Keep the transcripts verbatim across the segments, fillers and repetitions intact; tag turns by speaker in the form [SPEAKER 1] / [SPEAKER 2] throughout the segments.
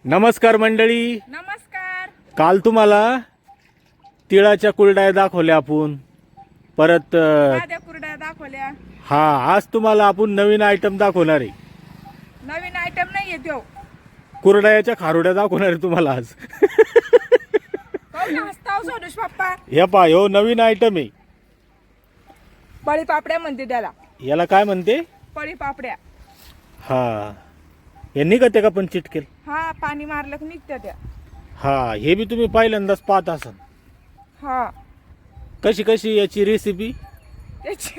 [SPEAKER 1] नमस्कार मंडळी.
[SPEAKER 2] नमस्कार.
[SPEAKER 1] काल तुम्हाला तिळाच्या कुरड्या दाखवल्या आपण. परत अ,
[SPEAKER 2] साध्या कुरड्या दाखवल्या.
[SPEAKER 1] हा आज तुम्हाला आपण नवीन आयटम दाखवणार आहे.
[SPEAKER 2] नवीन आयटम नाहीये तो.
[SPEAKER 1] कुरड्याच्या खारुड्या दाखवणार आहे तुम्हाला आज.
[SPEAKER 2] काऊन हसताव सोनुष पप्पा?
[SPEAKER 1] हे पहा, हो नवीन आयटम आहे.
[SPEAKER 2] पळी पापड्या म्हणते त्याला.
[SPEAKER 1] याला काय म्हणते?
[SPEAKER 2] पळी पापड्या.
[SPEAKER 1] हा हे निघते का पण चिटकेल?
[SPEAKER 2] हा पाणी मारलं की निघत्या त्या.
[SPEAKER 1] हा हे बी तुम्ही पहिल्यांदाच पाहत असाल.
[SPEAKER 2] हा
[SPEAKER 1] कशी कशी याची रेसिपी?
[SPEAKER 2] त्याची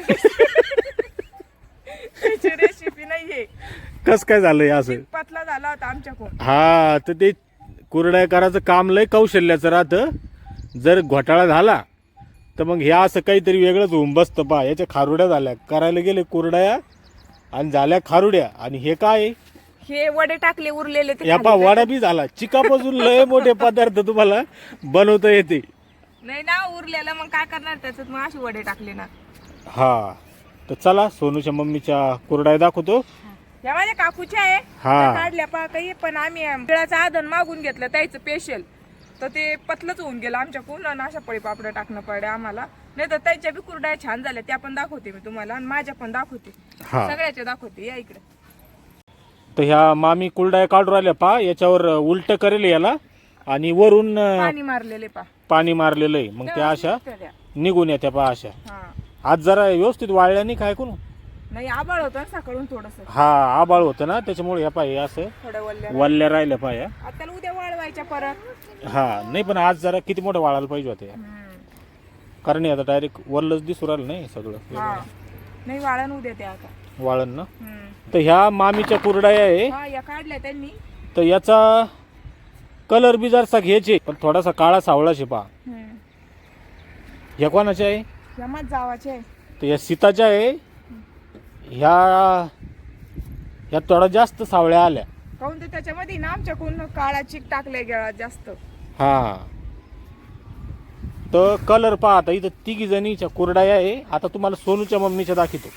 [SPEAKER 2] त्याची रेसिपी नाहीये.
[SPEAKER 1] कस काय झालंय असं?
[SPEAKER 2] पतला झाला होता आमच्याकडून.
[SPEAKER 1] हा तर ते कुरड्या करायचं काम लय कौशल्याचं राहतं. जर घोटाळा झाला तर मग ह्या असं काहीतरी वेगळंच होऊन बसतं. पहा याच्या खारुड्या झाल्या, करायला गेले कुरड्या आणि झाल्या खारुड्या. आणि हे काय?
[SPEAKER 2] हे वडे टाकले उरलेले ते
[SPEAKER 1] या पा
[SPEAKER 2] खाली.
[SPEAKER 1] वडा बी झाला. चिकापासून लय मोठे पदार्थ तुम्हाला बनवता येते.
[SPEAKER 2] नाही ना उरलेलं मग काय करणार त्याच्यात, मग असे वडे टाकले ना.
[SPEAKER 1] हा तर चला सोनूच्या मम्मीच्या कुरड्या दाखवतो.
[SPEAKER 2] या माझ्या काकूच्या आहे.
[SPEAKER 1] हा.
[SPEAKER 2] त्या काढल्या पा काही, पण आम्ही तिळाचं आधन मागून घेतलं त्याचं स्पेशल, तर ते पतलंच होऊन गेलं आमच्याकडून. आणि अशा पळी पापड्या टाकणं पडे आम्हाला. नाही तर त्याच्या बी कुरड्या छान झाल्या, त्या पण दाखवते मी तुम्हाला. आणि माझ्या पण दाखवते,
[SPEAKER 1] हा
[SPEAKER 2] सगळ्याच्या दाखवते. या इकडे.
[SPEAKER 1] तर ह्या मामी कुरड्या काढून राहिल्या. पा याच्यावर उलट करेल याला आणि वरून अं,
[SPEAKER 2] पाणी मारलेले पा.
[SPEAKER 1] पाणी मारलेलं आहे. मग त्या अशा
[SPEAKER 2] त्या.
[SPEAKER 1] निघून येत्या. पा अशा
[SPEAKER 2] हा
[SPEAKER 1] आज जरा व्यवस्थित वाळल्या नाही काय कोण?
[SPEAKER 2] नाही आबाळ होतं ना सकाळून थोडस.
[SPEAKER 1] हा आबाळ होतं ना, त्याच्यामुळे या पाय असं
[SPEAKER 2] थोडं वल्ल्या.
[SPEAKER 1] वल्ल्या राहिल्या पाया.
[SPEAKER 2] आता त्याला उद्या वाळवायच्या परत.
[SPEAKER 1] हा नाही पण आज जरा किती मोठं वाळायला पाहिजे होते.
[SPEAKER 2] हम्म.
[SPEAKER 1] कारण हे आता डायरेक्ट वरलंच दिसू राहिलं नाही सगळं.
[SPEAKER 2] हा नाही वाळण उद्या त्या आता.
[SPEAKER 1] वाळण ना.
[SPEAKER 2] हम्म.
[SPEAKER 1] तर ह्या मामीच्या कुरड्या आहे.
[SPEAKER 2] हा या काढल्या त्यांनी.
[SPEAKER 1] तर याचा कलर बी जरासा घ्यायचे, पण थोडासा काळा सावळाशे. पहा
[SPEAKER 2] हम्म.
[SPEAKER 1] ह्या कोणाच्या आहे?
[SPEAKER 2] या मग जावाचे आहे.
[SPEAKER 1] तर या सीताच्या आहे. ह्या ह्या थोडा जास्त सावळ्या आल्या.
[SPEAKER 2] काऊन ते त्याच्यामध्ये ना आमच्याकडून काळा चिक टाकले गेला जास्त.
[SPEAKER 1] हा तर कलर पहा. आता इथं तिघी जणीच्या कुरड्या आहे. आता तुम्हाला सोनूच्या मम्मीच्या दाखवतो.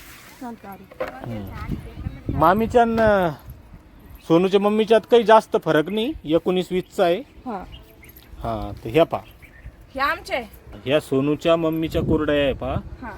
[SPEAKER 1] मामीच्या न सोनूच्या मम्मीच्यात काही जास्त फरक नाही. एकोणीस वीसचा आहे.
[SPEAKER 2] हा
[SPEAKER 1] हा तर ह्या पहा,
[SPEAKER 2] हे आमचे.
[SPEAKER 1] ह्या सोनूच्या मम्मीच्या कुरड्या आहे. पहा
[SPEAKER 2] हा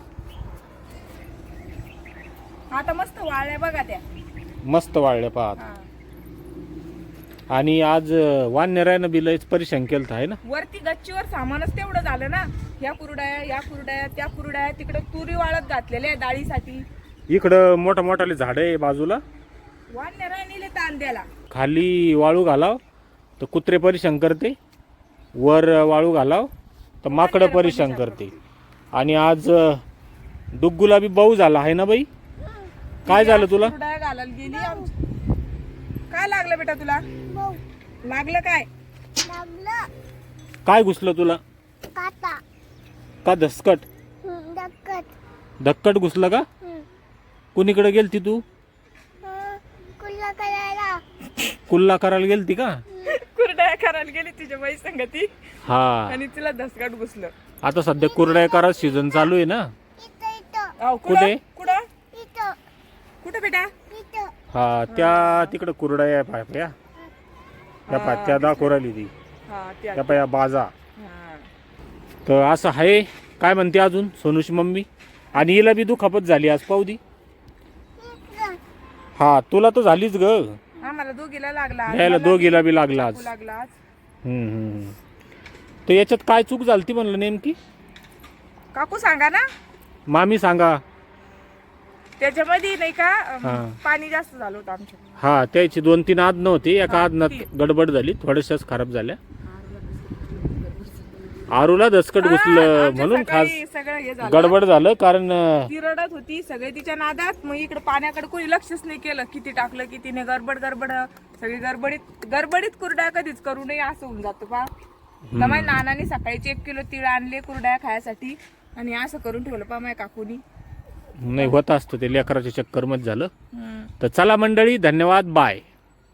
[SPEAKER 2] आता मस्त वाळल्या बघा त्या.
[SPEAKER 1] मस्त वाळल्या. पहा
[SPEAKER 2] हा.
[SPEAKER 1] आणि आज वानरायनं बी लयच परेशान केलं आहे ना.
[SPEAKER 2] वरती गच्चीवर सामानच तेवढं झालं ना. ह्या कुरड्या या कुरड्या त्या कुरड्या, तिकडे तुरी वाळत घातलेल्या आहे डाळीसाठी.
[SPEAKER 1] इकडं मोठा मोठाले झाड आहे बाजूला.
[SPEAKER 2] वानराय नेले ताण द्याला.
[SPEAKER 1] खाली वाळू घालाव तर कुत्रे परेशान करते, वर वाळू घालाव तर माकडं परेशान करते. आणि आज डुग्गूला बी बाऊ झाला आहे ना बाई. काय झालं तुला?
[SPEAKER 2] कुरड्या घालायला गेली आमची. काय लागलं बेटा तुला? लागलं काय?
[SPEAKER 1] काय घुसलं तुला? का धसकट? धक्कट घुसलं का? कुणीकडे गेलती तू? कुल्ला करायला गेलती का?
[SPEAKER 2] कुरड्या करायला गेली तिच्या बाई संगती.
[SPEAKER 1] हा
[SPEAKER 2] आणि तिला धसकाट घुसलं.
[SPEAKER 1] आता सध्या कुरड्या करा सीझन चालू आहे ना.
[SPEAKER 2] अहो,
[SPEAKER 1] कुठे?
[SPEAKER 2] कुठं कुठं बेटा?
[SPEAKER 1] हा त्या तिकडं कुरड्या आहे पाया. त्या पा त्या दाखवू राहिली ती.
[SPEAKER 2] हा त्या.
[SPEAKER 1] त्या पाया बाजा.
[SPEAKER 2] हा.
[SPEAKER 1] तर असं आहे. काय म्हणते अजून सोनूची मम्मी? आणि हिला बी दुखापत झाली आज पाहुदी. हा तुला तर झालीच ग.
[SPEAKER 2] आम्हाला दोघीला लागला आज.
[SPEAKER 1] यायला
[SPEAKER 2] मला
[SPEAKER 1] दोघीला बी लागला आज.
[SPEAKER 2] लागला आज.
[SPEAKER 1] हम्म हम्म. तर याच्यात काय चूक झालती म्हणलं नेमकी?
[SPEAKER 2] काकू सांगा ना.
[SPEAKER 1] मामी सांगा.
[SPEAKER 2] त्याच्यामध्ये नाही का अम,
[SPEAKER 1] हा.
[SPEAKER 2] पाणी जास्त झालं होतं आमच्या.
[SPEAKER 1] हा त्याची दोन तीन आद नव्हती. एका
[SPEAKER 2] हा,
[SPEAKER 1] आदनात
[SPEAKER 2] तीन.
[SPEAKER 1] गडबड झाली, थोड्याशाच खराब झाल्या. आरूला दसकट
[SPEAKER 2] हा,
[SPEAKER 1] घुसलं
[SPEAKER 2] आमच्या
[SPEAKER 1] म्हणून खास
[SPEAKER 2] सकाळी सगळं हे झालं.
[SPEAKER 1] गडबड झालं. कारण अं,
[SPEAKER 2] ती रडत होती सगळे तिच्या नादात. मग इकडे पाण्याकडे कोणी लक्षच नाही केलं. किती टाकलं किती नाही. गडबड गडबड सगळी गडबडीत गडबडीत कुरड्या कधीच करू नये असं होऊन जातं पा. तर माझ्या नानाने सकाळीच एक किलो तिळ आणले कुरड्या खायसाठी. आणि असं करून ठेवलं पा माझ्या काकूनी.
[SPEAKER 1] नाही होत असतं ते लेकराच्या चक्कर मध्ये झालं.
[SPEAKER 2] हम्म.
[SPEAKER 1] तर चला मंडळी, धन्यवाद, बाय.